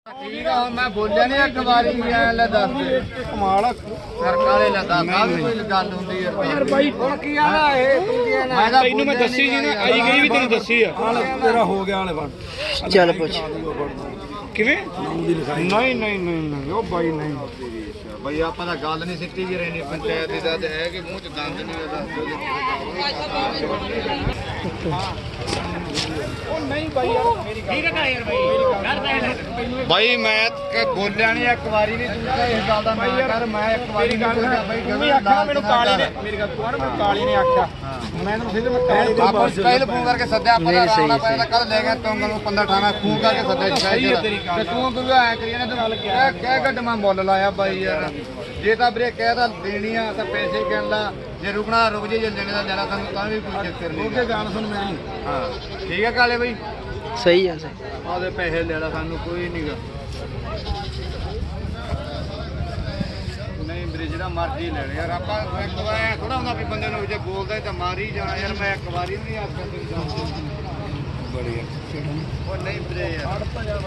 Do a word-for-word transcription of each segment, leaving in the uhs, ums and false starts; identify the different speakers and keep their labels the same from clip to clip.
Speaker 1: ठीक है मैं बोलिया नहीं एक बारी ले दस कमाल सरकारे ले दस आ भी कोई गल हुंदी है यार भाई हुन की आला ए तू की आला मैं तैनू मैं दस्सी जी ना आई गई भी तेनू दस्सी है तेरा हो गया वाले बन
Speaker 2: चल पूछ
Speaker 1: किवें नहीं नहीं नहीं ओ भाई नहीं भाई ਆਪਾਂ ਤਾਂ ਗੱਲ ਨਹੀਂ ਸਿੱਟੀ ਜੀ ਰਹਿਣੀ ਪੰਚਾਇਤ ਦੀ ਤਾਂ ਹੈ ਕਿ ਮੂੰਹ ਚ ਦੰਦ ਨਹੀਂ ਉਹਦਾ ਉਹ ਨਹੀਂ ਭਾਈ ਯਾਰ ਮੇਰੀ ਗੱਲ ਠੀਕ ਹੈ ਯਾਰ ਭਾਈ ਗੱਲ ਤਾਂ ਭਾਈ ਮੈਂ ਬੋਲਿਆ ਨਹੀਂ ਇੱਕ ਵਾਰੀ ਨਹੀਂ ਤੂੰ ਤਾਂ ਇਸ ਗੱਲ ਦਾ ਨਾ ਕਰ ਮੈਂ ਇੱਕ ਵਾਰੀ ਗੱਲ ਭਾਈ ਗਵੇਂ ਆਖਿਆ ਮੈਨੂੰ ਕਾਲੀ ਨੇ ਮੇਰੀ ਗੱਲ ਤੂੰ ਮੈਨੂੰ ਕਾਲੀ ਨੇ ਆਖਿਆ ਮੈਂ ਤੈਨੂੰ ਸਿੱਧੇ ਮੈਂ ਕਾਲੀ ਦੇ ਬਾਅਦ ਪਹਿਲ ਫੋਨ ਕਰਕੇ ਸੱਦਿਆ ਆਪਾਂ ਰਾਣਾ ਪਾਇਆ ਤਾਂ ਕੱਲ ਲੈ ਗਿਆ ਤੂੰ ਮੈਨੂੰ ਪੰਦਰਾਂ ਅਠਾਰਾਂ ਫੋਨ ਕਰਕੇ ਸੱਦਿਆ ਜੀ ਤੇ ਤੂੰ ਕਿਉਂ ਐ ਕਰੀ ਨਾ ਤੂੰ ਕਹਿ ਕਹਿ ਗੱਡ ਮੈਂ ਮੁੱਲ ਲਾਇਆ ਬਾਈ ਯਾਰ ਜੇ ਤਾਂ ਵੀਰੇ ਕਹਿ ਤਾਂ ਦੇਣੀ ਆ ਤਾਂ ਪੈਸੇ ਕਹਿਣ ਲਾ ਜੇ ਰੁਕਣਾ ਰੁਕ ਜੇ ਜੇ ਲੈਣੇ ਦਾ ਲੈਣਾ ਸਾਨੂੰ ਤਾਂ ਵੀ ਕੋਈ ਚੱਕਰ ਨਹੀਂ ਉਹਦੇ ਗਾਣ ਸੁਣ ਮੇਰੀ ਹਾਂ ਠੀਕ ਹੈ ਕਾਲੇ ਬਾਈ
Speaker 2: ਸਹੀ ਆ ਸਹੀ
Speaker 1: ਆਦੇ ਪੈਸੇ ਲੈਣਾ ਸਾਨੂੰ ਕੋਈ ਨਹੀਂਗਾ ਨਹੀਂ ਵੀਰੇ ਜਿਹੜਾ ਮਰਜ਼ੀ ਲੈ ਲੈ ਯਾਰ ਆਪਾਂ ਇੱਕ ਵਾਰ ਥੋੜਾ ਹੁੰਦਾ ਵੀ ਬੰਦੇ ਨੂੰ ਜੇ ਬੋਲਦਾ ਤਾਂ ਮਾਰ ਹੀ ਜਾਣਾ ਯਾਰ ਮੈਂ ਇੱਕ ਵਾਰੀ ਨਹੀਂ ਆਖਿਆ ਤੈਨੂੰ ਬੜੀ ਉਹ ਨਹੀਂ ਵੀਰੇ ਯਾਰ ਹਾਂ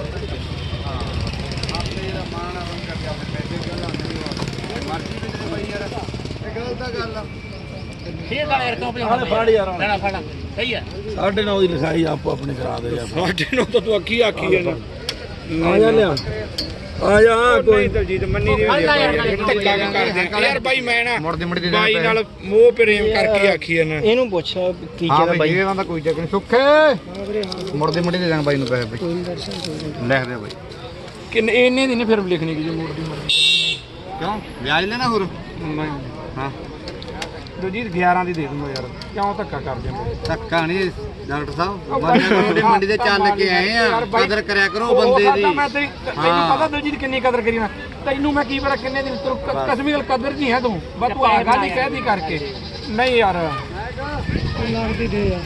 Speaker 1: ਆਪੇ ਜਿਹੜਾ ਮਾਣ ਆ ਉਹ ਕਰਕੇ ਆਪਣੇ ਪੈਸੇ ਕਿਉਂ ਲਾਉਂਦੇ ਨਹੀਂ ਮਰਜ਼ੀ ਵਿੱਚ ਬਈ ਯਾਰ ਇਹ ਗਲਤ ਤਾਂ ਗੱਲ ਆ
Speaker 3: ਠੀਕ ਆ ਯਾਰ ਕਿਉਂ ਭਜਾਉਣਾ ਫੜ ਯਾਰ ਲੈਣਾ ਫੜ ਸਹੀ ਹੈ
Speaker 4: ਸਾਢੇ ਨੌ ਦੀ ਲਿਖਾਈ ਆਪੋ ਆਪਣੀ ਕਰਾ ਦੇ ਯਾਰ
Speaker 1: ਸਾਢੇ ਨੌ ਤਾਂ ਤੂੰ ਅੱਖੀ ਆਖੀ ਹੈ ਨਾ
Speaker 4: ਆ ਜਾ ਲਿਆ ਆ ਜਾ ਕੋਈ
Speaker 1: ਦਲਜੀਤ ਮੰਨੀ ਦੀ ਧੱਕਾ ਕਰਦੇ ਯਾਰ ਬਾਈ ਮੈਂ ਨਾ ਮੁੜਦੀ ਮੁੜਦੀ ਬਾਈ ਨਾਲ ਮੋਹ ਪ੍ਰੇਮ ਕਰਕੇ ਆਖੀ ਹੈ ਨਾ
Speaker 2: ਇਹਨੂੰ ਪੁੱਛ ਕੀ ਕਹਿੰਦਾ ਬਾਈ
Speaker 1: ਇਹਦਾ ਤਾਂ ਕੋਈ ਚੱਕਰ ਨਹੀਂ ਸੁੱਖੇ ਮੁੜਦੀ ਮੁੜਦੀ ਦੇ ਦਾਂਗਾ ਬਾਈ ਨੂੰ ਪੈਸੇ ਬਾਈ ਲਿਖ ਦੇ ਬਾਈ
Speaker 4: ਕਿੰਨੇ ਇੰਨੇ ਦੀ ਨਹੀਂ ਫਿਰ ਲਿਖਣੀ ਕਿ ਜੇ ਮੋੜਦੀ ਮੋੜਦੀ
Speaker 1: ਕਿਉਂ ਵਿਆਜ ਲੈਣਾ ਹੋਰ ਹਾਂ
Speaker 4: ਦਲਜੀਤ ਗਿਆਰਾਂ ਦੀ ਦੇ ਦੂੰਗਾ ਯਾਰ ਕਿਉਂ ਧੱਕਾ ਕਰਦੇ ਹੋ
Speaker 1: ਧੱਕਾ ਨਹੀਂ ਡਾਕਟਰ ਸਾਹਿਬ ਮੰਡੀ ਮੰਡੀ ਦੇ ਚੱਲ ਕੇ ਆਏ ਆ ਕਦਰ ਕਰਿਆ ਕਰੋ ਬੰਦੇ ਦੀ
Speaker 4: ਮੈਂ ਤੈਨੂੰ ਪਤਾ ਦਲਜੀਤ ਕਿੰਨੀ ਕਦਰ ਕਰੀ ਨਾ ਤੈਨੂੰ ਮੈਂ ਕੀ ਪਤਾ ਕਿੰਨੇ ਦਿਨ ਤੂੰ ਕਸਮੀ ਗੱਲ ਕਦਰ ਨਹੀਂ ਹੈ ਤੂੰ ਬਸ ਤੂੰ ਆ ਗੱਲ ਹੀ ਕਹਿਦੀ ਕਰਕੇ ਨਹੀਂ ਯਾਰ ਲੱਗਦੀ ਦੇ ਯਾਰ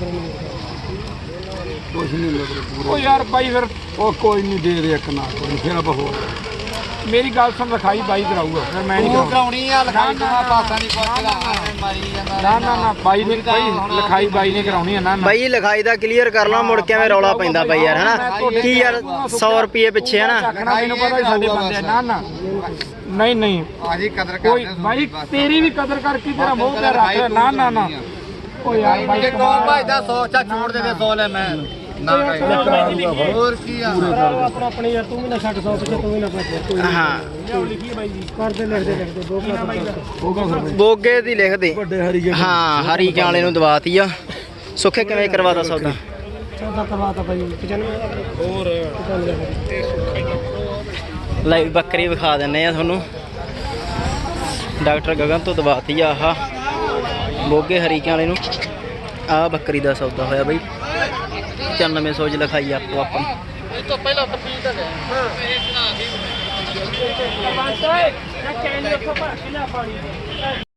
Speaker 4: ਕੁਛ ਨਹੀਂ ਲੱਗਦਾ ਉਹ ਯਾਰ ਬਾਈ ਫਿਰ ਉਹ ਕੋਈ ਨਹੀਂ ਦੇ ਦੇ ਇੱਕ ਨਾ ਕੋਈ ਫਿਰ ਆਪਾਂ ਹੋਰ ਮੇਰੀ ਗੱਲ ਸੁਣ ਲਿਖਾਈ ਬਾਈ ਕਰਾਊਗਾ ਫਿਰ ਮੈਂ ਨਹੀਂ
Speaker 1: ਕਰਾਉਣੀ ਆ ਲਿਖਾਈ ਤਾਂ ਪਾਸਾ ਨਹੀਂ ਪੁੱਛਦਾ ਮਾਰੀ ਜਾਂਦਾ
Speaker 4: ਨਾ ਨਾ ਨਾ ਬਾਈ ਨੇ ਬਾਈ ਲਿਖਾਈ ਬਾਈ ਨੇ ਕਰਾਉਣੀ ਆ ਨਾ
Speaker 2: ਬਾਈ ਲਿਖਾਈ ਦਾ ਕਲੀਅਰ ਕਰ ਲਾ ਮੁੜ ਕੇ ਐਵੇਂ ਰੌਲਾ ਪੈਂਦਾ ਬਾਈ ਯਾਰ ਹਨਾ ਕੀ ਯਾਰ ਸੌ ਰੁਪਏ ਪਿੱਛੇ ਹਨਾ
Speaker 4: ਮੈਨੂੰ ਪਤਾ ਸਾਡੇ ਬੰਦੇ ਨਾ ਨਾ ਨਹੀਂ ਨਹੀਂ
Speaker 1: ਆਜੀ ਕਦਰ
Speaker 4: ਕੋਈ
Speaker 1: ਕਰਦੇ
Speaker 4: ਬਾਈ ਤੇਰੀ ਵੀ ਕਦਰ ਕਰਕੇ ਤੇਰਾ ਮੂੰਹ ਤੇ ਰੱਖ ਨਾ ਨਾ ਨਾ ਓ ਯਾਰ ਬਾਈ
Speaker 1: ਜੇ ਕੌਣ ਭਾਈਦਾ ਸੌ ਚਾ ਛੋੜ ਦੇ ਦੇ ਸੌ ਲੈ ਮੈਂ ਨਾ ਹੋਰ ਕੀ ਆ
Speaker 4: ਆਪਣਾ ਆਪਣੇ ਯਾਰ ਤੂੰ ਵੀ ਨਾ ਛੱਡ ਸੌ ਪਿੱਛੇ ਤੂੰ ਵੀ ਨਾ ਭੱਜ ਕੋਈ
Speaker 2: ਹਾਂ
Speaker 4: ਲਿਖੀ ਬਾਈ ਜੀ ਕਰਦੇ ਲਿਖਦੇ ਲਿਖਦੇ ਬੋਗਾ
Speaker 2: ਬੋਗੇ ਦੀ ਲਿਖ ਦੇ
Speaker 4: ਵੱਡੇ ਹਰੀ
Speaker 2: ਹਾਂ ਹਰੀ ਵਾਲੇ ਨੂੰ ਦਵਾਤੀ ਆ ਸੁੱਖੇ ਕਿਵੇਂ ਕਰਵਾਦਾ ਸੌਦਾ
Speaker 4: ਚੌਦਾ ਕਰਵਾਤਾ ਬਾਈ ਪਚਾਨਵੇਂ ਹੋਰ
Speaker 2: ਲੈ ਬੱਕਰੀ ਵਿਖਾ ਦਿੰਨੇ ਆ ਤੁਹਾਨੂੰ ਡਾਕਟਰ ਗਗਨ ਤੋਂ ਦਵਾਤੀ ਆ ਆਹ ਬੋਗੇ ਹਰੀ ਵਾਲੇ ਨੂੰ ਆਹ ਬੱਕਰੀ ਦਾ ਸੌਦਾ ਹੋਇਆ ਬਾਈ ਪਚਾਨਵੇਂ ਸੌ ਚ ਲਿਖਾਈ ਆਪੋ ਆਪਾਂ
Speaker 3: ਇਹ ਤੋਂ ਪਹਿਲਾਂ ਤਪੀਲ ਤਾਂ ਗਿਆ ਹਾਂ